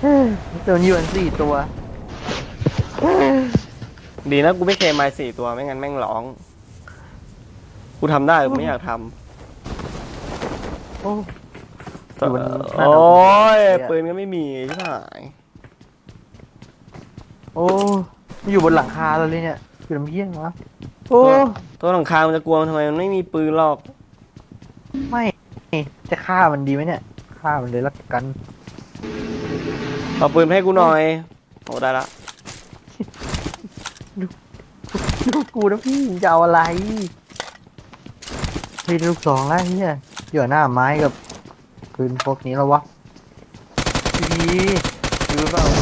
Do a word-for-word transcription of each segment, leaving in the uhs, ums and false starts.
โดนยูเอ็นสี่ตัวดีนะกูไม่เคยมาสี่ตัวไม่งั้นแม่งร้องกูทำได้กูไม่อยากทโอ้ำอยู่บนหน้าโอ้ยเราปืนก็ไม่มีใช่ไหมโอ้อยู่บนหลังคาเราเลยเนี่ยคือน้ำเยี่ยงวะโอ้ตัวหลังคามันจะกลัวมันทำไมมันไม่มีปืนหรอกไม่จะฆ่ามันดีไหมเนี่ยฆ่ามันเลยละกันเอาปืนให้กูหน่อยโอ้ได้ละลูกกูนะพี่จะเอาอะไรพี่ลูกสองแล้วเนี่ยอยู่หน้าไม้กับปืนพวกนี้แล้ววะพี่พี่รู้เปล่า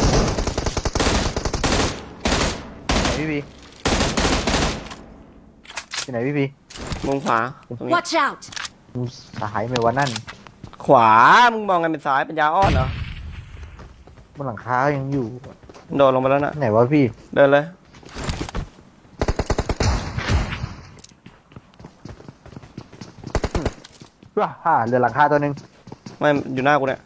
ไหนพี่บีที่ไหนพี่บีมุมขวาตรงนี้ Watch out! มึงสายไหมวะนั่นขวามึงมองกันเป็นซ้ายเป็นยาอ้อนเหรอบนหลังคายังอยู่โดดลงไปแล้วนะไหนวะพี่เดินเลยว้าฮ่าเหลือหลังคาตัวหนึ่งไม่อยู่หน้ากูเนี่ย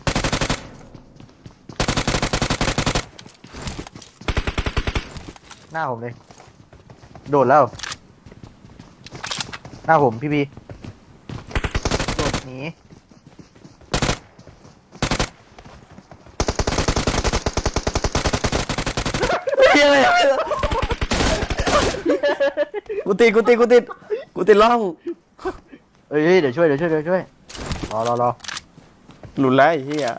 หน้าผมเลยโดดแล้ว หน้าผมพี่บีโดดหนีเฮียอะไรกูติดกูติดกูติดกูติดล่องเอ้ยเดี๋ยวช่วยเดี๋ยวช่วยเดี๋ยวช่วยรอรอรอหลุดแล้วไอ้เหี้ย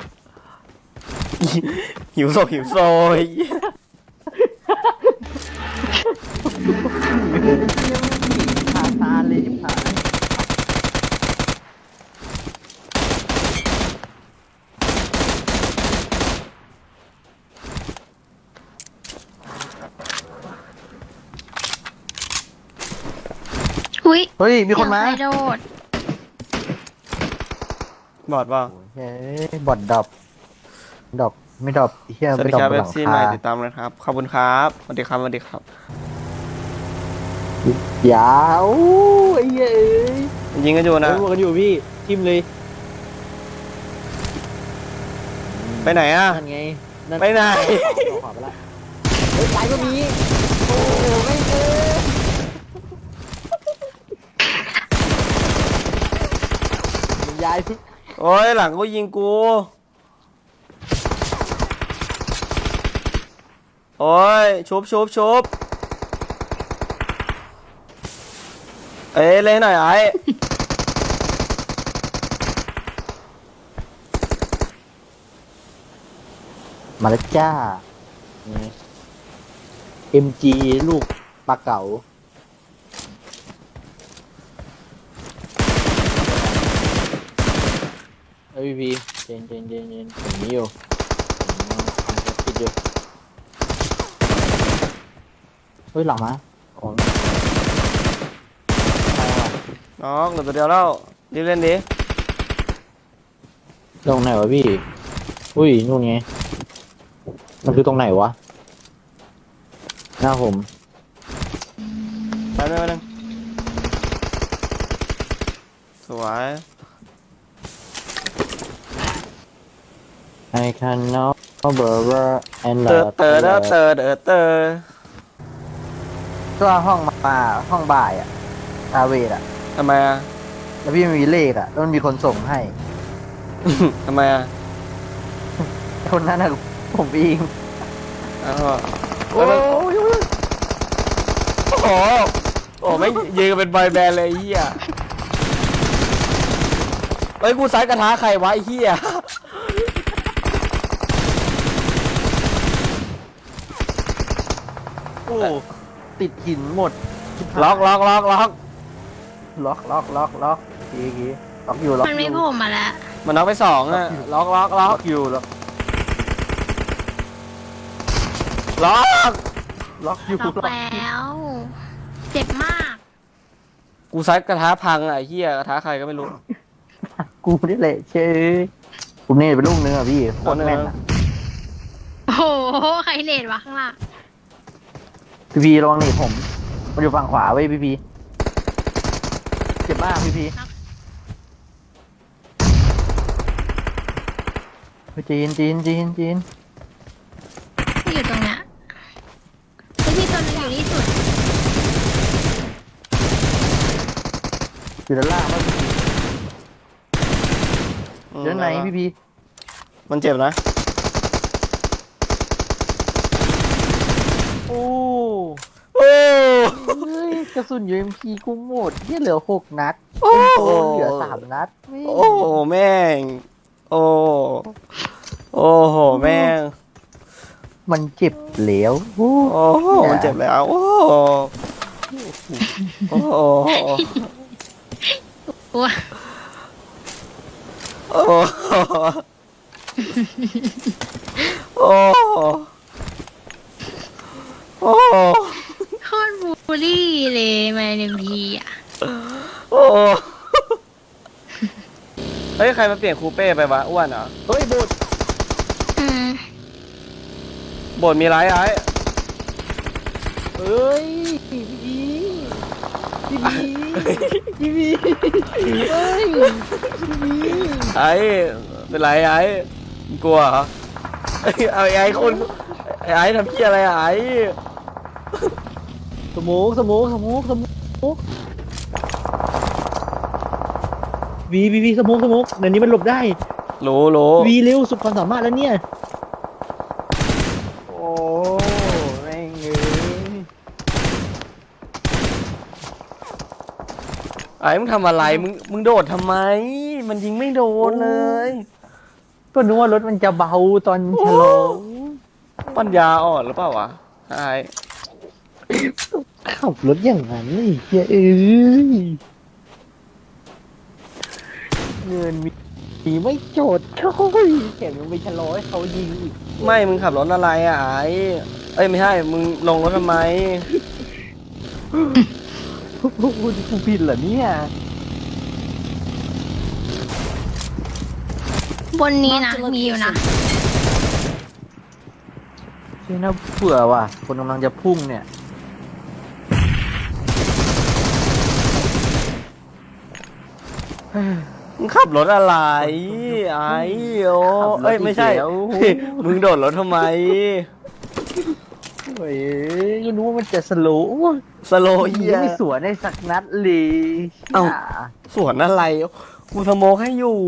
หิวโซหิวโซยขาตาเลยชิบหายอุ้ยเฮ้ยมีคนมาเดี๋ยวใรโดดบอดเปล่าเฮ้ยบอดดรอปดรอปไม่ดรอปเฮียสวัสไม่ดีดรอคปรับบนเอหฟลังซีใหม่คาติดตามนะครับขอบคุณครับสวัสดีครับสวัสดีครับยาวไอ้เหี้ยเอ้ยยิงกันอยู่นะเฮ้ยบวกกันอยู่พี่ทิมเลยไปไหนอ่ะนั่นไงนั่นไปไหนขวาไปละเฮ้ยซ้ายก็มีโอ้โหไม่เจอมันย้ายพี่โอ้ยหลังก็ยิงกูโอ้ยชุบชุบชุบเอ้ยเล่นหน่อยไอ้มาแล้วจ้า เอ็ม จี ลูกปลาเก๋าเอ้ยพี่เจนเจนเจนเจนผมนี้อยู่ผมคิดอยู่เฮ้ยหลังมาอ๋อน้องเหลือตัวเดียวแล้วรีบเล่นดิตรงไหนวะพี่ อุ้ยนู่นไง มันคือตรงไหนวะ หน้าผมไปหนึ่งไปหนึ่งสวย I can know brother and เตอ love เตอเตอเตอเตอเตอก็ห้องมาห้องบ่ายอะอาเวดอะทำไมอ่ะแล้วพี่มีเลขอะแล้วมันมีคนส่งให้ทำไมอ่ะคนนั้นอะผมเองอ้าวโอ้ยโอ้โหโอ้ไม่ยืนกันเป็นบอยแบนด์เลยไอ้เหี้ยเฮ้ยกูซ้ายกระทะใครวะไอ้เหี้ยโอ้ติดหินหมดล็อกล็อกล็อกล็อกล็อกล็อกล็อกล็อกทีทีล็อกอยู่ล็อกมันอไม่ยู่โผล่มาแล้วมันน็อกไปสองอ่ะล็อกล็อกล็ล็ออก กอยู่ล็อกล็อกล็อกอยู่ล็อกแล้ว เจ็บมากกูซัดกระทะพังอ่ะไอ้เหี้ยกระทะใครก็ไม่รู้กูนี่แหละเชยผมเนี่ยเป็นลูกนึงอ่ะพี่โคตรแม่นอะโอ้โห ใครเนตวะข้างล่างพี่พีระวังนี่ผมมันอยู่ฝั่งขวาเว้ยพี่พีเจ็บมากพี่พีจีนจีนจีนจีนที่อยู่ตรงเนี้ยแล้วมีตัวหนึงอยู่ที่สุดอยู่ด้านล่างมั้งอืมเดี๋ยวไหนพี่พีมันเจ็บนะโอ้โอ้เฮ้ยกระสุนยูเอ็มพีกูหมดที่เหลือหกนัดโอ้โอ้เหลือสามนัดไม่โอ้โหแม่ง โอ้โอ้โหแม่งมันเจ็บเหลวโอ้โอ้โหมันเจ็บแล้ว โอ้โหโอ้โหโอ้ยโอ้โหโอ้โหโอ้โหโคตรบูลลี่เลยมาเอ็มพีอ่ะโอ้โหเฮ้ย ใครมาเปลี่ยนคูเป้ไปวะอ้วนเหรอเฮ้ยโบดอืมบทมีไรไอ้เอ้ยพี่พีพี่พีพี่พีเฮ้ยพี่พีไอ้เป็นไรไอ้มึงกลัวเหรอเอ้ยเอาไอ้ไอ้คนไอ้ไอ้ทำพี่อะไรอะไอ้สมูกสมูกสมูกสมูกวีวีวีสมูกสมูกเดี๋ยวนี้มันหลบได้รู้รู้วีเร็วสุดความสามารถแล้วเนี่ยโอ้แม่งเอ้ยไอ้มึงทำอะไรมึงมึงโดดทำไม มันยิงไม่โดนเลยก็นึกว่ารถมันจะเบาตอนชะลอปัญญาอ่อนหรือเปล่าวะไอ้ขับรถอย่างนั้นนี่เฮ้ยเอ้ยเงินมีมีไม่โจทย์โอ้ยแถมยังไปชะลอให้เขายิงอีกไม่มึงขับรถอะไรอะไอ้เอ้ยไม่ใช่มึงลงรถทำไมโอ้โหกูผิดเหรอเนี่ยบนนี้นะมีอยู่นะใช่น่าเผื่อว่ะคนกำลังจะพุ่งเนี่ยมึงขับรถอะไรไอ้โอ้เอ้ยไม่ใช่ มึงโดดรถทำไมโอ้ยก็รู้ว่ามันจะสโลว์สโลโอ้ยเฮียไม่สวนได้สักนัดเลยเอ้า สวนอะไร กูสโมกให้อยู่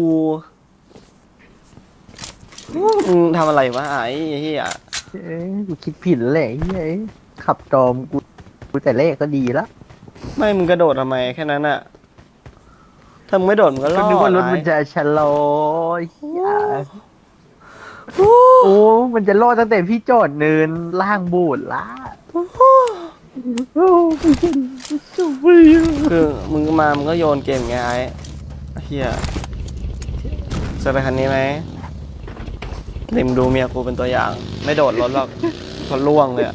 มึงทำอะไรวะไอ้เฮียเอ้ยกูคิดผิดแล้วแหละเฮ้ยขับตอมกูกูแต่แรกก็ดีแล้วไม่มึงกระโดดทำไมแค่นั้นอะถ้ามึงไม่โดดมึงก็รก็อดนึกว่ารถไอ้มันจะชะลอเหี้ยโอ้มันจะรอดตั้งแต่พี่จอดเนินล่างโบูดละโอ้ไม่ใช่สุดยอดคือมึงมามึงก็โยนเกมไงไอ้เฮียจะไปคันนี้ไหมนิมดูเมียกูเป็นตัวอย่าง ไม่โดดรถหรอกเพราะล่วงเลยอะ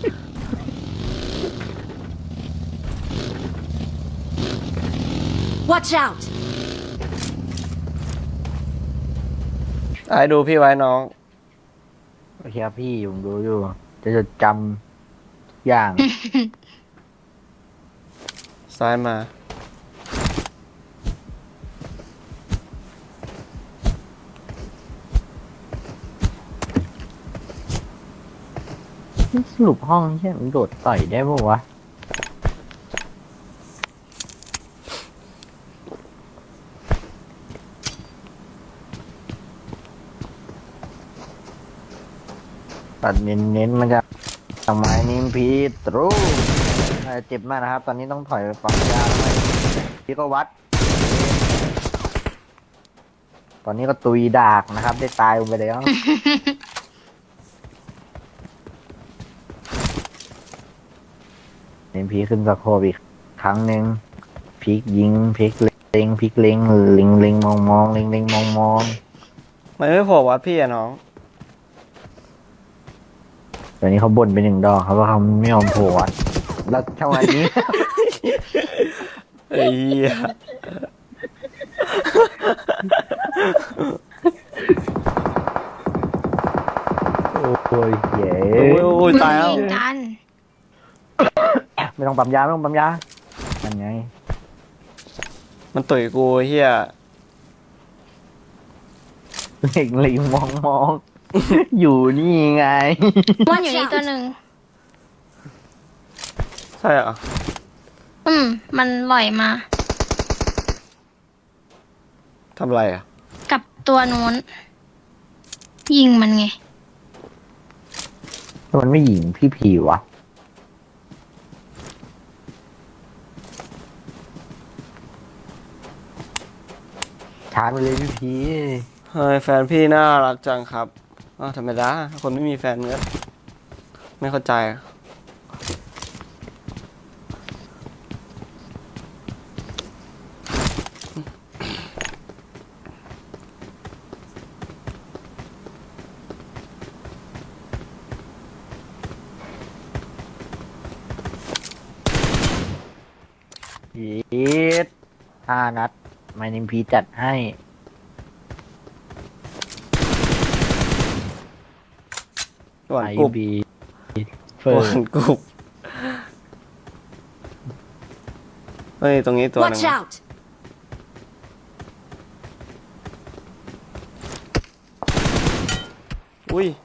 Watch out! ไอ้ดูพี่ไว้น้องโอเคครับพี่ผมดูอยู่ จะจดจำทุกอย่างซ้ายมาสรุปห้องใช่มันโดดต่อยได้ปะวะ ตัดเน้นๆมันจะทำไมนิมพีตรูน่าจะเจ็บมากนะครับ ตอนนี้ต้องถอยไปปั๊มยาแล้วไหมพี่ก็วัด ตอนนี้ก็ตุยดากนะครับ ได้ตายลงไปแล้ว เอ็มพีขึ้นสะโคบอีกครั้งหนึ่งพลิกยิงพลิกเล็งพลิกเล็งเล็งเล็งมองมองเล็งเล็งมองมองมันไม่โผล่วัดพี่อะน้องตอนนี้เขาบ่นไปหนึ่งดอกครับว่าเขาไม่ยอมโผล่อะแล้วจังหวะนี้ไอ้เหี้ยโอ้ยเย้โอ้ยโอ้ยตายแล้วมึงยิงกันไม่ต้องปั๊มยาไม่ต้องปั๊มยานั่นไงมันตุ๋ยกูไอ้เฮียเเล็งเล็งมองมองอยู่นี่ไงมันอยู่นี่ตัวหนึ่งใช่เหรออืม มันลอยมาทำอะไรอ่ะกับตัวนู้น ยิงมันไงมันไม่หญิงพี่ผีวะชาร์จไปเลยพี่ผีเฮ้ยแฟนพี่น่ารักจังครับอ้าวธรรมดาคนไม่มีแฟนก็ไม่เข้าใจอะพีดห้านัดไม่นิมพีจัดให้หวานไอกรุบบีเฟิหร์วานกรุบเฮ้ยตรงนี้ตัวหนึง Watch out! อุ้ย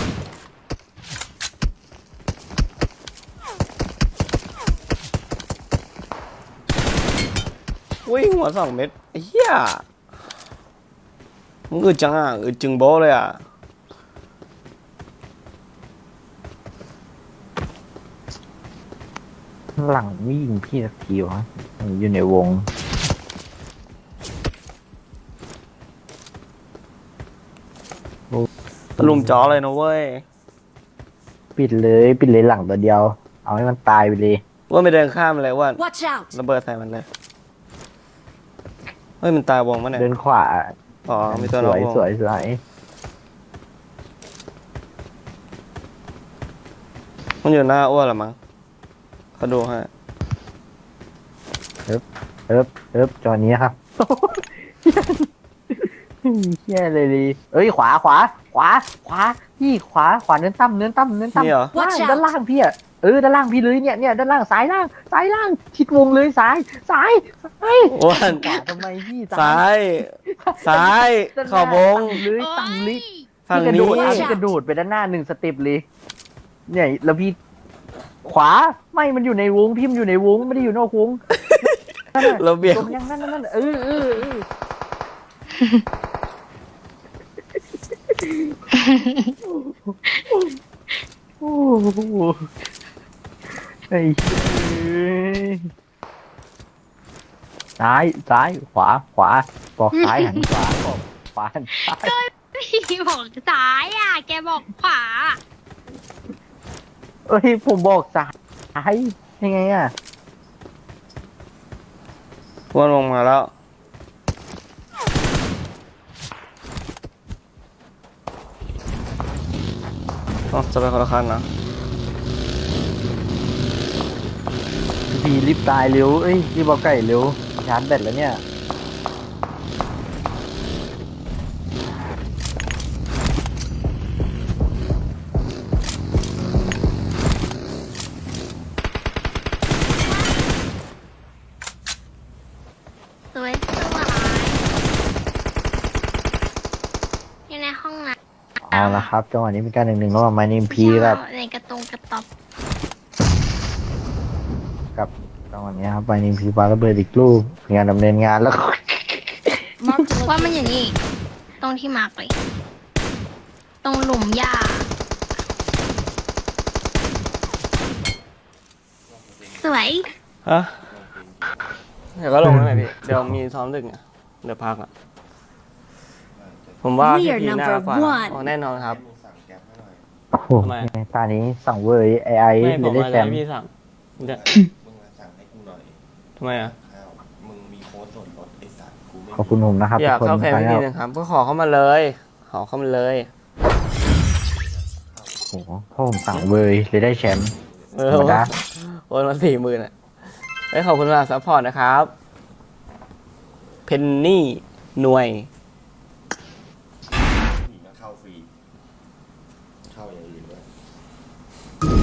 อุ้ยหัวสองเม็ดไอ้เหี้ยมึงอึดจังอ่ะอึดจึงโบ้เลยอ่ะหลังไม่ยิงพี่สักทีวะมันอยู่ในวงตะลุมจ้อเลยนะเว้ยปิดเลยปิดเลยหลังตัวเดียว เอาให้มันตายไปเลยว่าไม่เดินข้ามเลยว่า Watch out! ระเบิดใส่มันเลยเฮ้ยมันตายวงมั้ยเนี่ยเดินขวาอ๋อมีตัวสน้องวยวงสวยสวยมันอยู่หน้าอ้วนเหรอมั้งเขาดูให้เอิบเอิบจอนี้ครับ เฮี้ยเลยดิเอ้ยขวาขวา ขวา ขวาพี่ขวาขวาเนื้อตั้มเนื้อตั้มเนื้อตั้มนี่เหรอล่าง Watch out ด้านล่างพี่อะเออด้านล่างพี่เลยเนี่ยเนี่ยด้านล่างซ้ายล่างซ้ายล่างชิดวงเลยซ้ายซ้ายซ้ายอ้วนขวาทำไมพี่ซ้าย ซ้ายด้านหขอบวงตั้เลยตั้งเลยฝั่งพี่กระนี้โดดอ่ะพี่กระโดดไปด้านหน้าหนึ่งสเต็ปเลย เนี่ยแล้วพี่ ขวาไม่มันอยู่ในวงพี่มันอยู่ในวงไม่ได้อยู่นอกวงนั่นน่ะเราเบี่ยงตรงยังนั่นนั่นนั่นเออเออเออโอ้โหไอ้เหี้ยซ้ายซ้ายขวาขวาบอกซ้ายหันขวาบอกขวาหันซ้ายพี่บอกซ้ายอ่ะ แกบอกขวาเอ้ยผมบอกซ้ายยังไงอ่ะอ้วนลงมาแล้วอ๋อจะไปคนละคันนะพี่รีบตายเร็วเอ้ยรีบเอาไก่เร็วชาร์จแบตแล้วเนี่ยสวยสวยอยู่ในห้องน้ำเอาละครับจังหวะนี้เป็นการหนึ่งหนึ่งระหว่างไมนิมพีกับในกระตรงกระต๊อบกับจังหวะนี้ครับไมนิมพีปาระเบิดอีกลูกงานดำเนินงานแล้ว Marked a ว่ามันอ location. ย่างนี้ ตรงที่มาร์กเลย ตรงหลุมหญ้า สวยฮะเดี๋ยวก็ลงแล้วไหมพี่ เดี๋ยวมีซ้อมดึกอ่ะเดี๋ยวพักอ่ะ ผมว่าพี่ We are พีน่ารักกว่า number one อ๋อแน่นอนครับโอ้โหทำไมตานี้สั่งเวอร์ไอไอไม่ผเลยมได้ว่าแชจะมให้ป์พี่สั่งเดี๋ยวมึงมาสั่งให้กูหน่อยทำไมอ่ะข้าวมึงมีโค้ดส่วนลดไอ้สัตว์กูไม่ขอบคุณผมนะครับอยากทุกคนเข้าแฟนไปพี่แล้พีวนะครับก็ขอเข้ามาเลย ขอเข้ามาเลยโอ้โหพ่อผมสั่งเวอร์เลยได้แชมป์เออธรรมดาโอนมาสี่หมื่นอ่ะเอ้ยขอบคุณสำหรับซัพพอร์ตนะครับ เพนนี่หน่วยมีมาเข้าฟรี เข้าอย่างอื่นด้วย